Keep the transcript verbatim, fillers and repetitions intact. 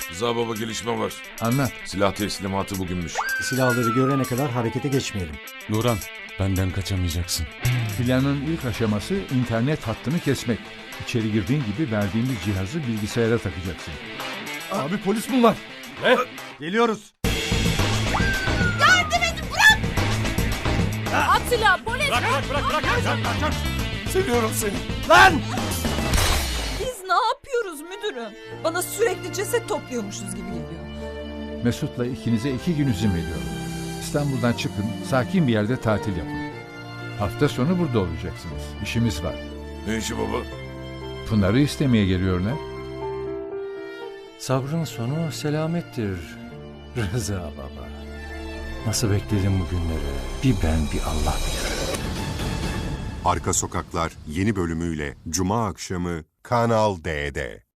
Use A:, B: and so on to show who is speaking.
A: Rıza baba gelişme var.
B: Anlat.
A: Silah teslimatı bugünmüş.
C: Silahları görene kadar harekete geçmeyelim.
D: Nuran, benden kaçamayacaksın.
B: Planın ilk aşaması internet hattını kesmek. İçeri girdiğin gibi verdiğimiz cihazı bilgisayara takacaksın. Abi polis mi var?
C: Ne? Geliyoruz.
E: At silahı polis.
A: Seviyorum seni.
C: Lan!
E: Biz ne yapıyoruz müdürüm? Bana sürekli ceset topluyormuşuz gibi geliyor.
B: Mesut'la ikinize iki gün izin veriyorum. İstanbul'dan çıkın, sakin bir yerde tatil yapın. Hafta sonu burada olacaksınız. İşimiz var.
A: Ne işi baba?
B: Pınar'ı istemeye geliyorlar.
D: Sabrın sonu selamettir Rıza baba. Nasıl bekledim bu günleri? Bir ben bir Allah bilir.
F: Arka Sokaklar yeni bölümüyle Cuma akşamı Kanal D'de.